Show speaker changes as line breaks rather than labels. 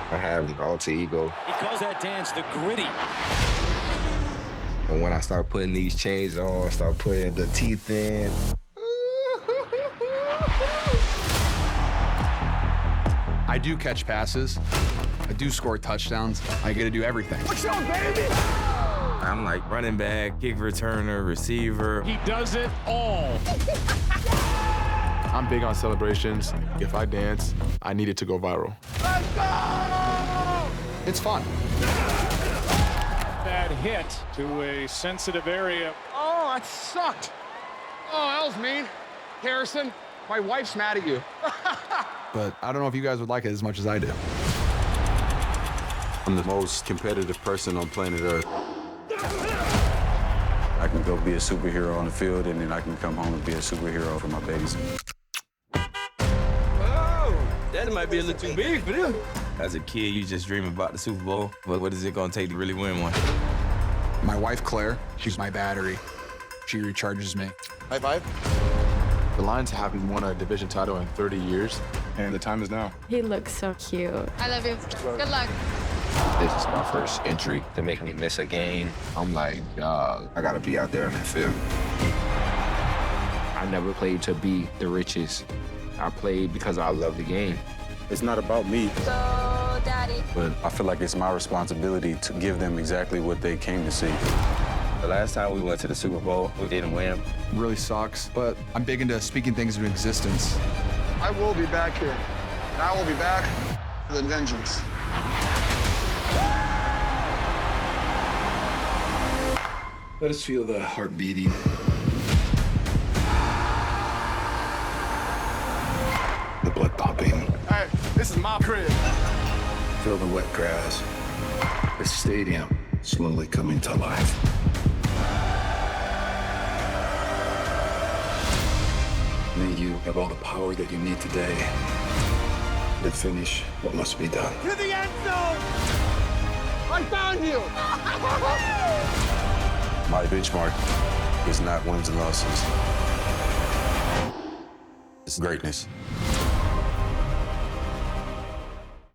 I have an alter ego.
He calls that dance the gritty.
And when I start putting these chains on, start putting the teeth in.
I do catch passes. I do score touchdowns. I get to do everything.
What's up, baby?
I'm like running back, kick returner, receiver.
He does it all.
I'm big on celebrations. If I dance, I need it to go viral.
Let's go!
It's fun.
That hit to a sensitive area.
Oh, that sucked. Oh, that was mean. Harrison, my wife's mad at you.
But I don't know if you guys would like it as much as I do.
I'm the most competitive person on planet Earth. I can go be a superhero on the field, and then I can come home and be a superhero for my babies.
Oh, that might be a little too big for them. As a kid, you just dream about the Super Bowl. But what is it gonna take to really win one?
My wife, Claire, she's my battery. She recharges me.
High five.
The Lions haven't won a division title in 30 years, and the time is now.
He looks so cute.
I love you. Good luck.
This is my first entry to make me miss a game. I'm like, dog, I gotta be out there in the field. I never played to be the richest. I played because I love the game.
It's not about me,
Go, Daddy.
but I feel like it's my responsibility to give them exactly what they came to see.
The last time we went to the Super Bowl, we didn't win.
Really sucks, but I'm big into speaking things into existence.
I will be back here. And I will be back with a vengeance.
Let us feel the heart beating. The blood pumping.
Hey, this is my crib.
Feel the wet grass. The stadium slowly coming to life. May you have all the power that you need today to finish what must be done.
To the end zone! I found you!
My benchmark is not wins and losses. It's greatness.